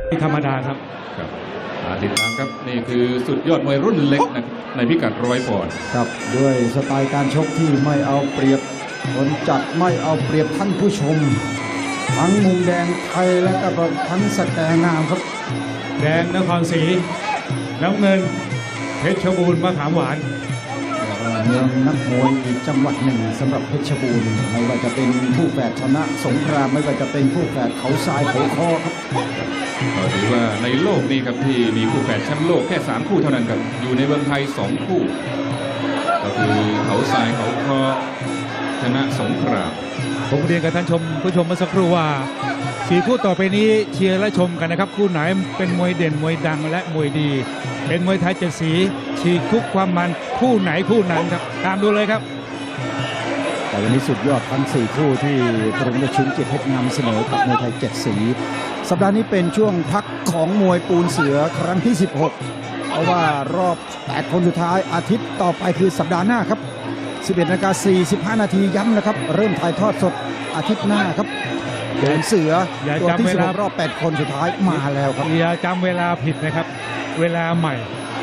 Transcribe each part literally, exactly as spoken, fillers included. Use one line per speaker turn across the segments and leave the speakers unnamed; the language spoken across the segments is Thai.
ที่ธรรมดาครับ
ครับติดตามครับนี่คือสุดยอดมวยรุ่นเล็กนะในพิกัดร้อยปอนด์
ครับด้วยสไตล์การชกที่ไม่เอาเปรียบคนจัดไม่เอาเปรียบท่านผู้ชมทั้งมุมแดงไทยและก็ทั้งสแกงามครับ
แดงนครศรีน้ำเงินเพชรบูรณ์มะขามหวาน
เมืองนักมวยอีกจังหวัดหนึ่งสำหรับเพชรบูรณ์ไม่ว่าจะเป็นผู้แฝดชนะสงครามไม่ว่าจะเป็นผู้แฝดเขาทรายเขาคอครับ
ก็ถือว่าในโลกนี้ครับที่มีผู้แฝดแชมป์โลกแค่สามคู่เท่านั้นครับอยู่ในเมืองไทยสองคู่ก็คือเขาทรายเขาคอชนะสงคราม
ผมเรียนกับท่านชมผู้ชมเมื่อสักครู่ว่าสี่คู่ต่อไปนี้เชียร์และชมกันนะครับคู่ไหนเป็นมวยเด่นมวยดังและมวยดีเป็นมวยไทยเจ็ดสีฉีกทุกความมันคู่ไหนคู่นั้นครับตามดูเลยครับ
แต่วันนี้สุดยอดทั้งสี่คู่ที่กรมราชชุมเกียรติเพชรงำเสนอกับมวยไทยเจ็ดสีสัปดาห์นี้เป็นช่วงพักของมวยปูนเสือครั้งที่สิบหกเพราะว่ารอบแปดคนสุดท้ายอาทิตย์ต่อไปคือสัปดาห์หน้าครับสิบเอ็ดนาฬิกาสี่สิบห้านาทีย้ำนะครับเริ่มถ่ายทอดสดอาทิตย์หน้าครับเดินเสือตัวที่สิบหกรอบแปดคนสุดท้ายมาแล้วครับ
อย่าจำเวลาผิดนะครับเวลาใหม่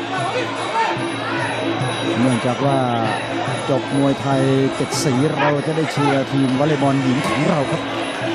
เนื่องจากว่าจบมวยไทยเจ็ดสีเราจะได้เชียร์ทีมวอลเลย์บอลหญิงของเราครับ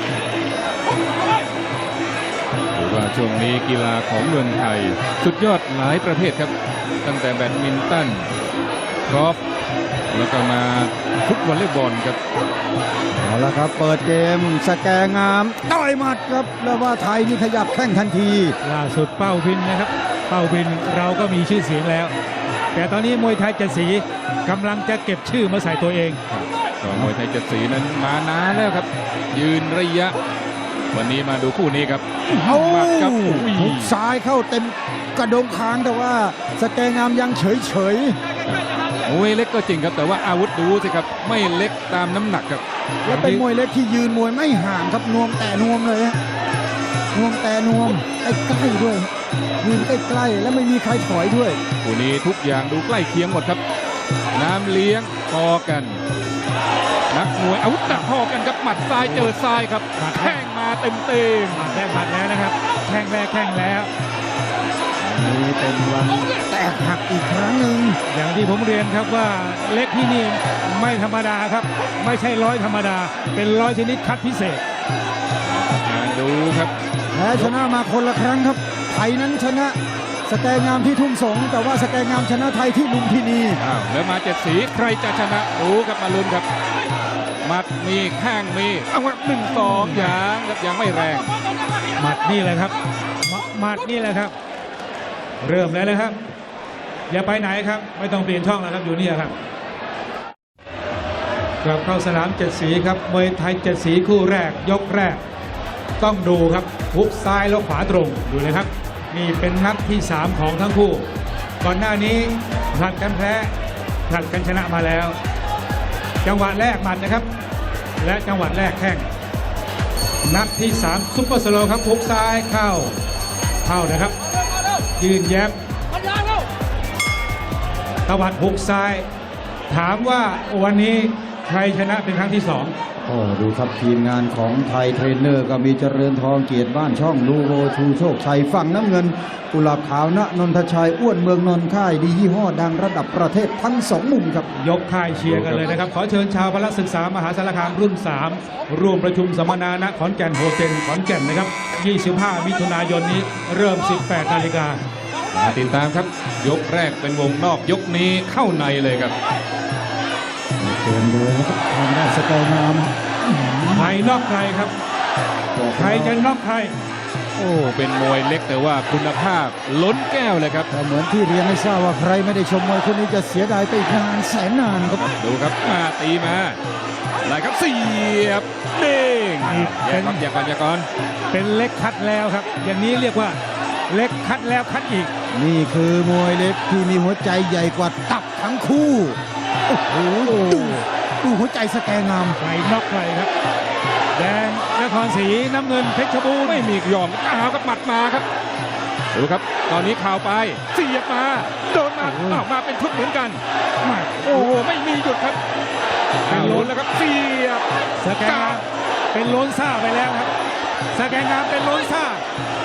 ถือว่าช่วงนี้กีฬาของเมืองไทยสุดยอดหลายประเภทครับตั้งแต่แบดมินตันกอล์ฟแล้วก็มาฟุตวอลเลย์บอลครับ
เอาละครับเปิดเกมสแกงามต่อยหมัดครับแล้วว่าไทยนี่ขยับแข้งทันที
ล่าสุดเป้าพินนะครับเป้าพินเราก็มีชื่อเสียงแล้วแต่ตอนนี้มวยไทยเจ็ดสีกำลังจะเก็บชื่อมาใส่ตัวเอง
ก็มวยไทยเจ็ดสีนั้นมานานแล้วครับยืนระยะวันนี้มาดูคู่นี้ครับ
เอาหุกซ้ายเข้าเต็มกระดงคางแต่ว่าสแกงามยังเฉยเฉย
มวยเล็กก็จริงครับแต่ว่าอาวุธดูสิครับไม่เล็กตามน้ำหนักครับ
และเป็นมวยเล็กที่ยืนมวยไม่ห่างครับนวมแต่นวมเลยนวมแต่นวมใกล้ๆด้วยยืนใกล้ๆและไม่มีใครถอยด้วย
คู่นี้ทุกอย่างดูใกล้เคียงหมดครับน้ำเลี้ยงพอกันนักมวยอาวุธหนักพอกันครับหมัดซ้ายเจอซ้ายครับแข้งมาเต็มเต็ม
หมัดแรกหมัดแล้วนะครับแข้งแรกแข้งแล้ว
นี่เป็นวันแตกหักอีกครั้งหนึ่ง
อย่างที่ผมเรียนครับว่าเล็กที่นี่ไม่ธรรมดาครับไม่ใช่ร้อยธรรมดาเป็นร้อยชนิดคัดพิเศษ
ดูครับ
แพ้ชนะมาคนละครั้งครับไทยนั้นชนะสแกงามที่ทุ่งสงแต่ว่าสแกงามชนะไทยที่ลุมพินี
อ้าวแล้วมาเจ็ดสีใครจะชนะดูกับมาลุ้นครับหมัดมีแข้งมีเอาว่าหนึ่งสองอย่างครับยังไม่แรง
หมัดนี่แหละครับหมัดนี่แหละครับเริ่มแล้วนะครับอย่าไปไหนครับไม่ต้องเปลี่ยนช่องแล้วครับอยู่นี่ครับกลับเข้าสนามเจ็ดสีครับมวยไทยเจ็ดสีคู่แรกยกแรกต้องดูครับหุกซ้ายแล้วขวาตรงดูเลยครับนี่เป็นนัดที่สามของทั้งคู่ก่อนหน้านี้ผลัดกันแพ้ผลัดกันชนะมาแล้วจังหวะแรกหมัดนะครับและจังหวะแรกแข้งนัดที่สามซุปเปอร์สโลว์ครับหุกซ้ายเข้าเข้านะครับยืนแย้มตวัดหุกซ้ายถามว่าวันนี้ใครชนะเป็นครั้งที่สอง
โอ้ดูครับทีมงานของไทยเทรนเนอร์ก็มีเจริญทองเกียรติบ้านช่องดูโวชูโชคชัยฝั่งน้ำเงินกุหลาบขาวณนนทชัยอ้วนเมืองนนท์ค่ายดียี่ห้อดังระดับประเทศทั้งสองมุมครับ
ยกค่ายเชียร์กันเลยนะครับขอเชิญชาวพละศึกษามหาสารคามรุ่นสามร่วมประชุมสัมมนาณขอนแก่นโฮเทลขอนแก่นนะครับยี่สิบห้ามิถุนายนนี้เริ่มสิบแปดนาฬิกา
ติดตามครับยกแรกเป็นวงนอกยกนี้เข้าในเลยครับ
เตือนเลยนะครับทางด้านสแกงาม
ใครนอกใครครับใครจะนอกใคร
โอ้เป็นมวยเล็กแต่ว่าคุณภาพล้นแก้วเลยครับ
เหมือนที่เรียนให้ทราบว่าใครไม่ได้ชมมวยคนนี้จะเสียดายไปอีกนานแสนนานครับ
ดูครับมาตีมาอะไรครับเสียบเด้งแย่ครับอย่าก่อนอย่าก่อน
เป็นเล็กคัดแล้วครับอย่างนี้เรียกว่าเล็กคัดแล้วคัดอีก
นี่คือมวยเล็กที่มีหัวใจใหญ่กว่าตับทั้งคู่โอ้โหดูหัวใจสแกงาม
ใครนอกใครครับแดงนครศรีน้ำเงินเพชรบูรณ์
ไม่มียอมก้าวกับหมัดมาครับดูครับตอนนี้ข่าวไปเสียบมาโดนมาอ้าวมาเป็นชุดเหมือนกันโอ้โหไม่มีหยุดครับเป็นล้นแล้วครับเสียบ
สแกงามเป็นล้นซ่าไปแล้วครับสแกงามเป็นล้นซ่า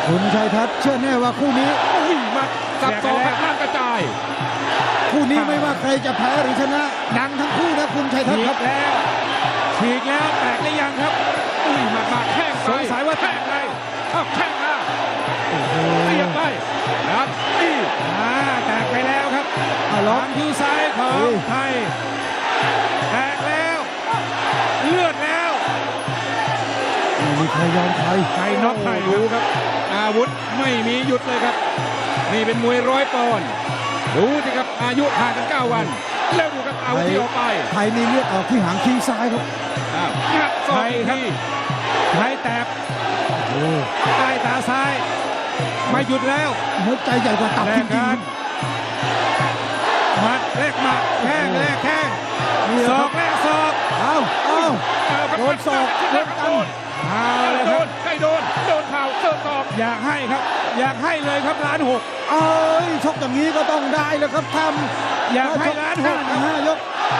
คุณชัยทัศน์เชื่อแน่ว่าคู่นี้
อุ้ยมาสับสองแบบน้ำกระจาย
คู่นี้ไม่ว่าใครจะแพ้หรือชนะดังทั้งคู่นะคุณชัยทัศ
ฉี
น์ครั
ก
บ
แล้วฉีกแล้วแตกหรือยังครับ
อุ้ยมามาแข้งไป
สงสัยว่าแตก
ไปอ้าวแข้งมาเสียบไปครับนี่
อ่าแตกไปแล้วครับ
เอาล็อก
ทางคิ้วซ้ายของ
เฮ้ย
ไทยแตกแล้วเลือดแล้ว
ไม่มีใครยอมใคร
ใครน็อกใคร
ดูครับ อาวุธไม่มีหยุดเลยครับ นี่เป็นมวยร้อยปอนด์ดูสิครับอายุห่างกันเก้าวัน แล้วดูครับอาวุธที่ออกไป
ไทยมีเลือดออกที่หางคิ้วซ้ายครับ
อ้าวงัดศอกอีกที
ไทยแตกใต้ตาซ้ายไม่หยุดแล้ว
หัวใจใหญ่กว่าตับ
แล
จ
ก
ริง
กันหมัดแลกหมัดแข้งแลกแข้ง
ๆนี่
ศ
ค
อ
รับ
กแลกศอก
เอาเอา
เอาครับ
โดนศอก
โดน
โดน
เอาเลย
โด
ครับ
นใครโดน โดนเข่าเสิร์ฟศอก
อยากให้ครับ อยากให้เลยครับล้านหก
เอ้ยชกอย่างนี้ก็ต้องได้แล้วครับทำ
อยากให้ล้านหกครับ
ห้ายก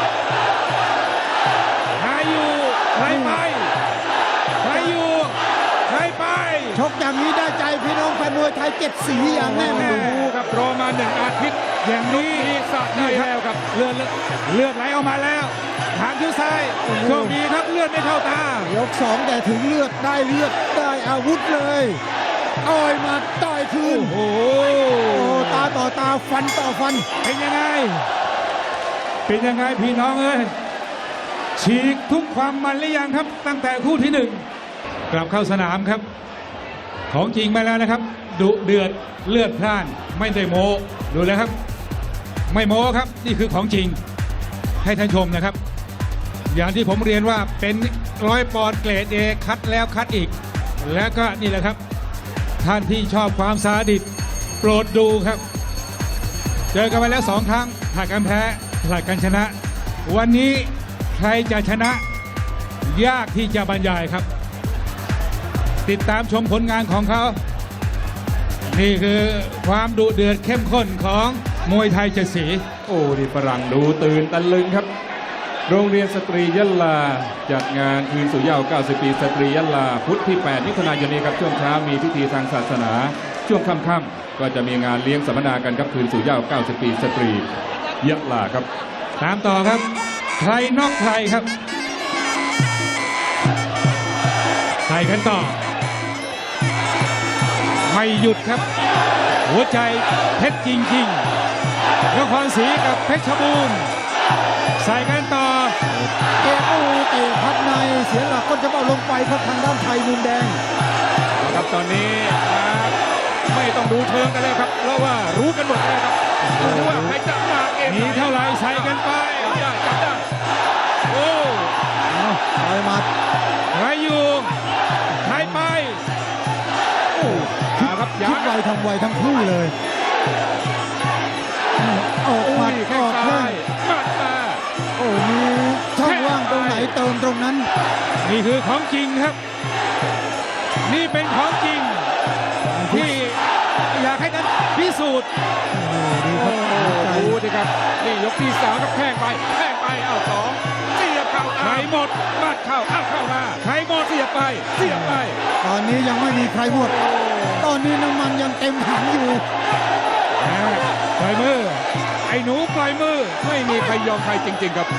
ใครอยู่ใครไปใครอยู่ใครไป
ชกอย่างนี้ได้ใจพี่น้องแฟนมวยไทยเจ็ดสีอย่างแน่นอน
ดูครับรอมาหนึ่งอาทิตย์
อย่างนี้
นี่สะใจแล้วครับ
เลือดเลือดไหลออกมาแล้วทางคิ้วซ้ายโชคดีครับเลือดไม่เข้าตา
ยกสองแต่ถึงเลือดได้เลือดได้อาวุธเลยอ้อยมาต่อยคืน
โอ้โห
โอ้ตาต่อตาฟันต่อฟัน
เป็นยังไง เป็นยังไงพี่น้องเอ้ยฉีกทุกความมันหรือยังครับ ตั้งแต่คู่ที่หนึ่งกลับเข้าสนามครับ ของจริงมาแล้วนะครับดุเดือดเลือดพล่าน ไม่ได้โมดูแล้วครับ ไม่โมครับนี่คือของจริงให้ท่านชมนะครับ อย่างที่ผมเรียนว่าเป็นร้อยปอนด์เกรดเอคัดแล้วคัดอีก แล้วก็นี่แหละครับ ท่านที่ชอบความซาดิสโปรดดูครับ เจอกันมาแล้วสองครั้งผลัดกันแพ้ผลัดกันชนะ วันนี้ใครจะชนะยากที่จะบรรยายครับ ติดตามชมผลงานของเขา นี่คือความดุเดือดเข้มข้นของมวยไทยเจ็ดสี
โอ้ดีฝรั่งดูตื่นตะลึงครับ โรงเรียนสตรียะลาจัดงานคืนสู่เหย้าเก้าสิบ ปีสตรียะลาพุธที่แปดมิถุนายนนี้ครับช่วงเช้ามีพิธีทางศาสนา ช่วงค่ำๆก็จะมีงานเลี้ยงสัมมนากันครับคืนสู่เหย้าเก้าสิบ ปีสตรียะลาครับ
ตามต่อครับ ใครนอกใครครับใครกันต่อ ไม่หยุดครับ หัวใจเพชรจริงๆนครศรีกับเพชรบูรณ์ใส่กันต่อ
เตะปูเตะพับในเสียหลักก้นจะเบาลงไปครับทางด้านไทยมุมแดง
ครับตอนนี้ไม่ต้องดูเชิงกันแล้วครับเพราะว่ารู้กันหมดแล้วครับดูที่ว่าใครจะมาเกม
มีเท่าไหรใส่กันไป
จับได้จับได้โอ้
เอาต่อยหมัด
ใครอยู่ใครไป
โอ้เอาครับ
คิ
ยั
ด
ง
ไวทำไวทั้งคู่เลยออกหมัด
โอ้ย
อ
แข้ง
อก
ซ้า
แข้ง
ยหมัดมา
โอ้มีช่องว่างตรงไหนเติมตรงนั้น
นี่คือของจริงครับ นี่เป็นของจริง ที่อยากให้นั้นพิสูจน์
โอ้ดีครับ
โอ้
ใจ
ดูสิครับนี่ยกที่สามครับแข้งไปแข้งไปเอาสองเสียบเข่า
ใคร
เอา
หมด
หมัดเข่าเอาเข้ามา
ใครหมด
เสียบไปเสียบไป
ตอนนี้ยังไม่มีใครหมด ตอนนี้น้ำมันยังเต็มถังอยู่
แหมปล่อยมือ ไอ้หนูปล่อยมือ
ไม่มีใครยอมใครจริง ๆ ครับ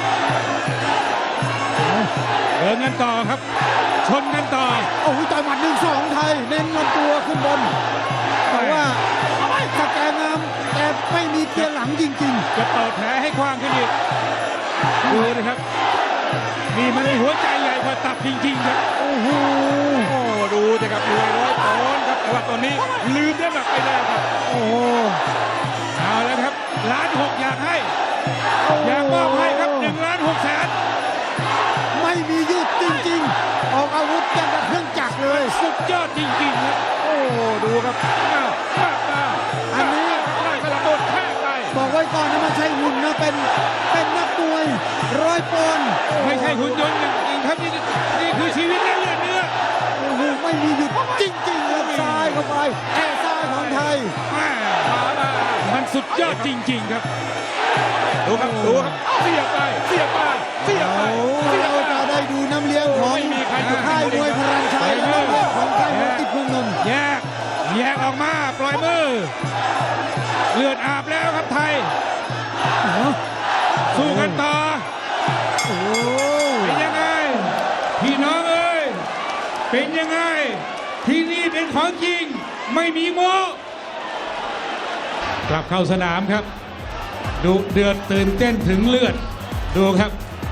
เดินกันต่อครับ ชนกันต่อ
โอ้ยต่อยหมัดหนึ่งสองไทย เน้นลำตัวขึ้นบนแต่ว่าสแกนงามแต่ไม่มีเกียร์หลังจริง
จะเปิดแผลให้กว้างขึ้นอีกดูนะครับ นี่มันหัวใจใหญ่กว่าตับจริงๆครับ
ๆ โอ้โห
โอ้ดูสิครับมวยร้อยปอนด์ครับแต่ว่าตอนนี้ลืมน้ำหนักไปแล้วครับ
โอ้โห
เอาแล้วครับล้านหกอยากให้ อยากมอบให้ครับหนึ่งล้านหกแสน
ไม่มีหยุดจริงๆ ออกอาวุธอย่างกับเครื่องจักรเลย
สุดยอดจริงๆครับ
โอ้ดูครับอ้าวมามา
อันนี้
ได้สลับโดนแข้งไป
บอกไว้ก่อนนะไม่ใช่หุ่นนะเป็นเป็นนักมวยร้อยปอนด์
ไม่ใช่หุ่นยนต์จริงๆครับนี่นี่คือชีวิตและเลือดเนื้อ
โอ้โหไม่มีหยุดจริงๆครับซ้ายเข้าไปแค่ซ้ายของไทย
แม่
มามา
มันสุดยอดจริงๆครับ
ดูครับดูครับเสียบไปเสียบไปเสียบไป
โอ้
เสียบ
เรา
ไป
จะได้ดูน้ำเลี้ยงของ
ไม่มีใครหยุด
ค่ายมวยพลังชัยและน้ำเลี้ยงของค่ายมวยติดเมืองนนท์
แยก
แยกออกมาปล่อยมือ เลือดอาบแล้วครับไทย สู้กันต่อ
โอ้
เป็นยังไง พี่น้องเอ้ย เป็นยังไง ที่นี่เป็นของจริง ไม่มีโม้กลับเข้าสนามครับ ดูเดือดตื่นเต้นถึงเลือด ดูครับ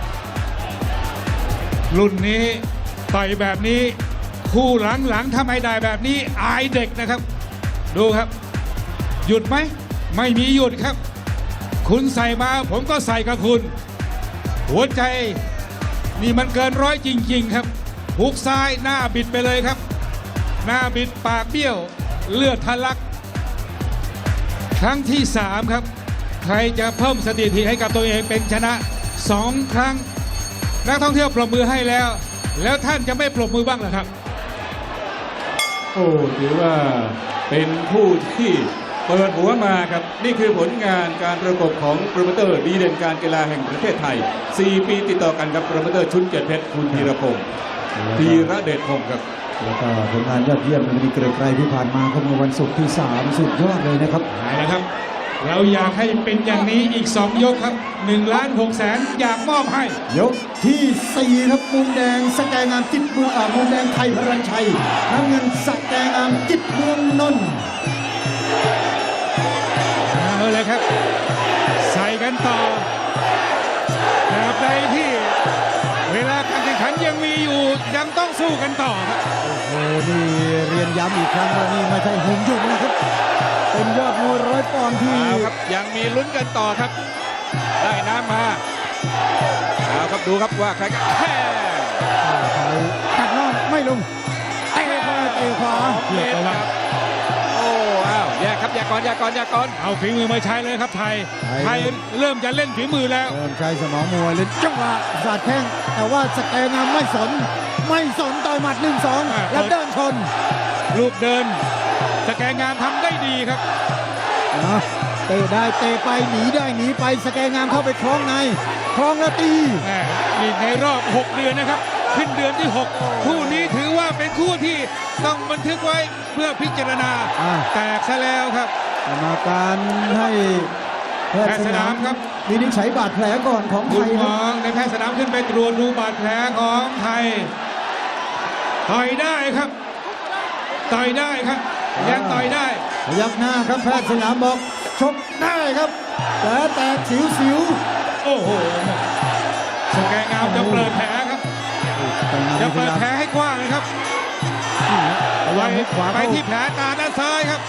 รุ่นนี้ต่อยแบบนี้ คู่หลังๆถ้าไม่ได้แบบนี้อายเด็กนะครับ ดูครับ หยุดไหม ไม่มีหยุดครับ คุณใส่มาผมก็ใส่กับคุณ หัวใจนี่มันเกินร้อยจริงๆครับหุกซ้ายหน้าบิดไปเลยครับ หน้าบิดปากเบี้ยวเลือดทะลัก ครั้งที่สามครับ ใครจะเพิ่มสถิติให้กับตัวเองเป็นชนะสองครั้ง นักท่องเที่ยวปรบมือให้แล้ว แล้วท่านจะไม่ปรบมือบ้างเหรอครับ
โอ้ถือว่าเป็นผู้ที่เปิดหัวมาครับ นี่คือผลงานการประกบของโปรโมเตอร์ดีเด่นการกีฬาแห่งประเทศไทย สี่ ปีติดต่อกันครับโปรโมเตอร์ชุนเจ็ดเพชรคุณธีรพงศ์ธีระเดชพงศ์ครับ
แล้วก็ผลงานยอดเยี่ยมในวันนี้เกรียงไกรที่ผ่านมาครับเมื่อวันศุกร์ที่สามสุดยอดเลยนะครับ
เอาละครับ เราอยากให้เป็นอย่างนี้อีกสองยกครับหนึ่งล้านหกแสนอยากมอบให้
ยกที่สี่ครับมุมแดงสแกงามจิตเมืองอ่ามุมแดงไทยพรัญชัยน้ำเงินสแกงามจิตเมืองนนท์
เอาเลยครับ ใส่กันต่อตราบใดที่เวลาการแข่งขันยังมีอยู่ยังต้องสู้กันต่อครับ
โอ้นี่เรียนย้ำอีกครั้งว่านี่ไม่ใช่หุ่นยนต์นะครับ เป็นยอดมวยร้อยปอนด์ที่
เอาครับยังมีลุ้นกันต่อครับ ได้น้ำมาเอาครับดูครับว่าใครจะแค่
ตัดนอกไม่ลงเตะขวาเตะขวา
เรียบร้อย
โอ้อ้าวแยกครับแยกก่อนแยกก่อนแยกก่อน
เอาฝีมือมาใช้เลยครับไทย ไทยเริ่มจะเล่นฝีมือแล้ว
เริ่มใช้สมองมวยเลยจังหวะสาดแข้งแต่ว่าสแกงามไม่สน ไม่สนต่อยหมัดหนึ่งสอง
อ่า
แล้วเดินชน
รูปเดินสแกนงามทำได้ดีครับ
นะเตะได้เตะไปหนีได้หนีไปสแกงามเข้าไปคล้องในคล้องแล้วตี
แหม่นี่ในรอบ หก เดือนนะครับ ขึ้นเดือนที่ หก คู่นี้ถือว่าเป็นคู่ที่ต้องบันทึกไว้เพื่อพิจารณา
อ่า
แตกซะแล้วครับ
กรรมการให้แพทย์สนาม
แพทย์สนามครับ
วินิจฉัยบาดแผลก่อนของไท
คุณ
ย
หม
ค
อ
รับ
ในแพทย์สนามขึ้นไปตรวจดูบาดแผลของไทย ต่อยได้ครับ ต่อยได้ครับ ยังต่อยได้
พยักหน้าครับแพทย์สนามบอกชกได้ครับแต่แตกสิวสิว
โอ้โหสแกนงามจะเปิดแผลครับ จะเปิดแผลให้กว้างนะครับ
พยายามให้ขวา
ไป
เข้า
ที่แผลตาด้านซ้ายครับ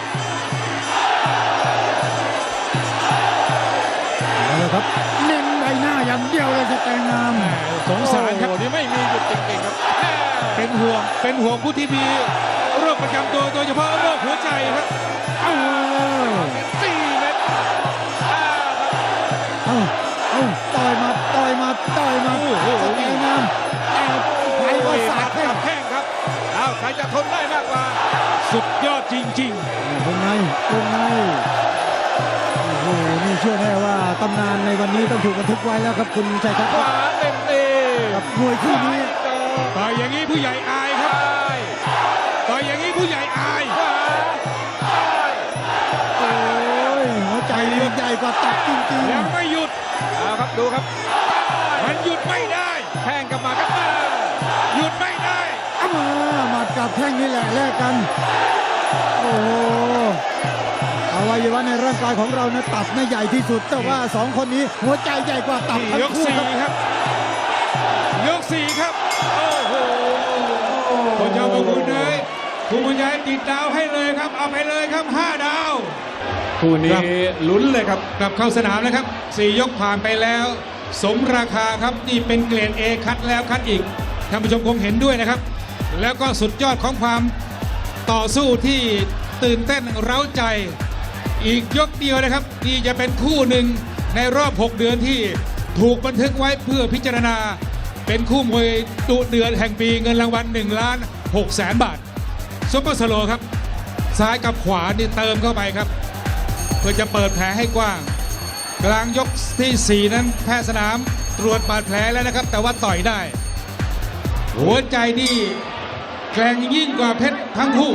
เอาเลยครับเน้นใบหน้าอย่างเดียวเลยสแกงาม
แหม่สงสารครับ
โอ้โหนี่ไม่มีหยุดจริงๆครับแม่
เป็นห่วง เป็นห่วงผู้ที่มีโรคประจำตัวโดยเฉพาะโรคหัวใจครับ
เอา
สี่เม็ดอ้าวครับ
เอาเอาต่อยมาต่อยมาต่อยมา
โอ้โห
สแกงามเอาใครก็สาดแข้ง
แข้งครับอ้าวใครจะทนได้มากกว่า
สุดยอดจริง
วงในวงในโอ้โหนี่เชื่อแน่ว่าตำนานในวันนี้ต้องถูกบันทึกไว้แล้วครับคุณชัยทัศน์
ขวาเต็มตี
กับมวยคู่นี้
จอ
ๆ ต่อยอย่างนี้ผู้ใหญ่อายครับ
ซ้าย
ต่อยอย่างนี้ผู้ใหญ่อาย
ขวาซ้าย
โอ้ยหัวใจนี่ใหญ่กว่าตับจริง
ยังไม่หยุด
เอาครับดูครับ
มันหยุดไม่ได้
แข้งกลับมาครับมา
หยุดไม่ได้
ๆเอามาหมัดกับแข้งนี่แหละแลกกัน โอ้โหอวัยวะในร่างกายของเรานะตับน่ะใหญ่ที่สุด แต่ว่าสองคนนี้หัวใจใหญ่กว่าตับ
นี่
ทั้ง
ยก
คู่
สี่
ครับ
ครับ ยกสี่ครับ โอ้โหคุณเจ้าพระคุณเลยคุณบรรยายติดดาวให้เลยครับ เอาไปเลยครับห้าดาว
คู่นี้ลุ้นเลยครับ
กลับเข้าสนามแล้วครับสี่ยกผ่านไปแล้ว สมราคาครับ นี่เป็นเกรด A คัดแล้วคัดอีก ท่านผู้ชมคงเห็นด้วยนะครับ แล้วก็สุดยอดของความต่อสู้ที่ตื่นเต้นเร้าใจ อีกยกเดียวนะครับ นี่จะเป็นคู่หนึ่งในรอบ หก เดือนที่ถูกบันทึกไว้เพื่อพิจารณา เป็นคู่มวยดุเดือดแห่งปีเงินรางวัล1ล้าน6แสนบาทซุปเปอร์สโลว์ครับ ซ้ายกับขวานี่เติมเข้าไปครับ เพื่อจะเปิดแผลให้กว้าง กลางยกที่สี่นั้นแพทย์สนามตรวจบาดแผลแล้วนะครับ แต่ว่าต่อยได้ หัวใจนี่แกร่งยิ่งกว่าเพชรทั้งคู่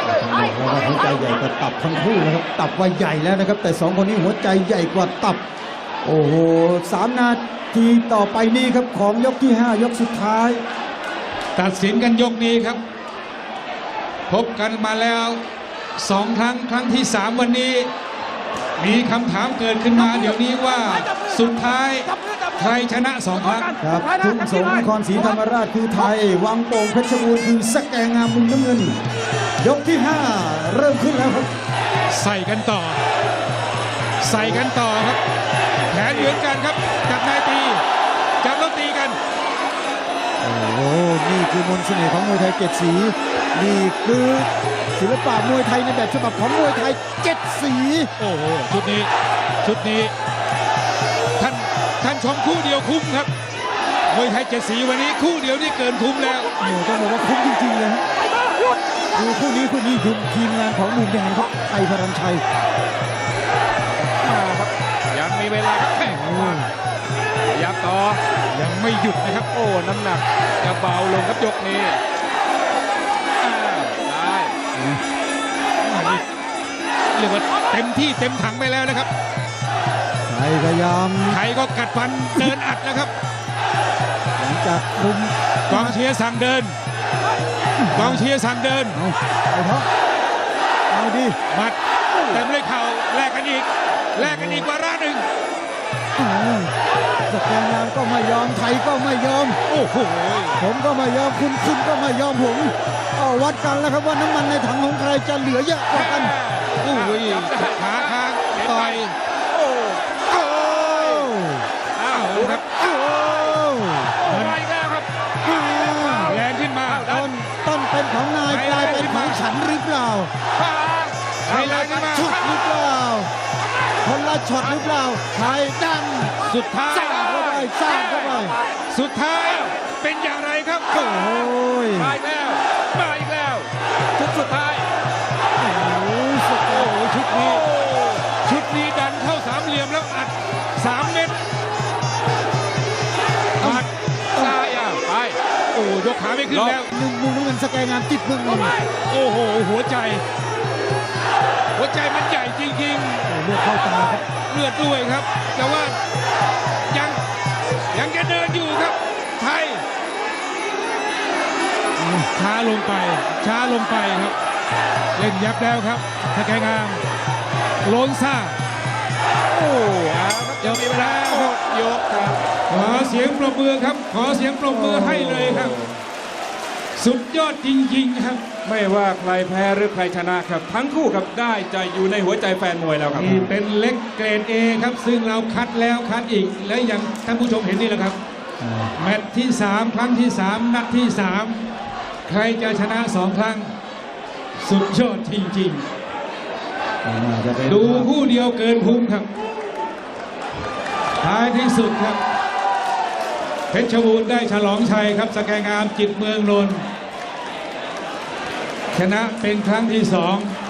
บอกว่าหัวใจใหญ่กว่าตับทั้งคู่นะครับตับว่าใหญ่แล้วนะครับ แต่สองคนนี้หัวใจใหญ่กว่าตับ โอ้โหสามนาทีต่อไปนี้ครับของยกที่ห้ายกสุดท้าย
ตัดสินกันยกนี้ครับ พบกันมาแล้วสองครั้งครั้งที่สามวันนี้ มีคำถามเกิดขึ้นมาเดี๋ยวนี้ว่าสุดท้ายใครชนะสองครั้ง
ครับทุ่งสงศ์นครศรีธรรมราชคือไทย วังโป่งเพชรบูรณ์คือสแกงามมุมน้ำเงิน ยกที่ห้าเริ่มขึ้นแล้วครับ
ใส่กันต่อ ใส่กันต่อครับแผนเหมือนกันครับจับนายตีจับแล้วตีกัน
โอ้โหนี่คือมนต์เสน่ห์ของมวยไทยเจ็ดสี นี่คือศิลปะมวยไทยในแบบฉบับของมวยไทยเจ็ดสี
โอ้โหชุดนี้ชุดนี้ท่านท่านชมคู่เดียวคุ้มครับมวยไทยเจ็ดสีวันนี้คู่เดียวนี่เกินคุ้มแล้ว
โอ้โหต้องบอกว่าคุ้มจริงๆเลยฮะดูคู่นี้คู่นี้คือทีมงานของมุมแดงครับไทยพรัญชัย
มาครับยังมีเวลาครับแข่งขยับต่อ
ยังไม่หยุดนะครับ
โอ้น้ำหนักจะเบาลงครับยกนี้อ้าวได้
เรียกว่าเต็มที่เต็มถังไปแล้วนะครับ
ไทยพยายาม
ไทยก็กัดฟันเดินอัดแล้วครับ
หลังจากคุม
กองเชียร์สั่งเดินกองเชียร์สั่งเดิน
เอาไปเถอะเอาดิ
หมัดเต็มเลยเข่าแลกกันอีกแลกกันอีกวาระหนึ่ง
อ้าวสแกนงามก็ไม่ยอมไทยก็ไม่ยอม
โอ้โห
ผมก็ไม่ยอมคุณคุณก็ไม่ยอมผมเอาวัดกันแล้วครับว่าน้ำมันในถังของใครจะเหลือเยอะกว่ากัน
โอ้ยขาทางต่อย
โอ้
โอ้
อ้าวดูครับ
โอ้
มาอีกแล้วครับ
แรงขึ้นมา
ต้นต้นเป็นของนายกลายเป็นของฉันหรือเปล่า
ไทยแรงขึ้นมา
ช็อตหรือเปล่าคนละช็อตหรือเปล่าไทยดัง
สุดท้าย
สร้างเข้าไปสร้างเข้าไป
สุดท้ายเป็นอย่างไรครับ
โอ้ย
มาอีกแล้วมาอีกแล้วชุดสุดท้าย
โอ้โหสุดยอด
โอ้ชุดนี้ชุดนี้ดันเข้าสามเหลี่ยมแล้วอัดสามเม็ดอัด
ซ้ายอ่ะไป
โอ้ยกขาไม่ขึ้นแล้ว
หนึ่งมุมน้ำเงินสแกนงามจิตเมืองนนท์
โอ้โหหัวใจ หัวใจมันใหญ่จริง
โอ้เลือดเข้าตาครับ
ๆเลือดด้วยครับ แต่ว่ายังยังจะเดินอยู่ครับ ไทยช้าลงไป ช้าลงไปครับ เล่นยับแล้วครับสแกงามโลนซ่า
โอ้เอาครับยังมีเวลาหกยกครับ
ขอเสียงปรบมือครับ ขอเสียงปรบมือให้เลยครับ สุดยอดจริงๆครับ
ไม่ว่าใครแพ้หรือใครชนะครับ ทั้งคู่ครับได้ใจอยู่ในหัวใจแฟนมวยแล้วครับ
นี่เป็นเล็กเกรด A ครับ ซึ่งเราคัดแล้วคัดอีก และอย่างท่านผู้ชมเห็นนี่แหละครับ แมตช์ที่สามครั้งที่สามนัดที่สามใครจะชนะสองครั้ง สุดยอดจริง
น่าจะเป็น
ๆ ดูคู่เดียวเกินคุ้มครับ ท้ายที่สุดครับ เพชรบูรณ์ได้ฉลองชัยครับสแกงามจิตเมืองนนท์ชนะเป็นครั้งที่สอง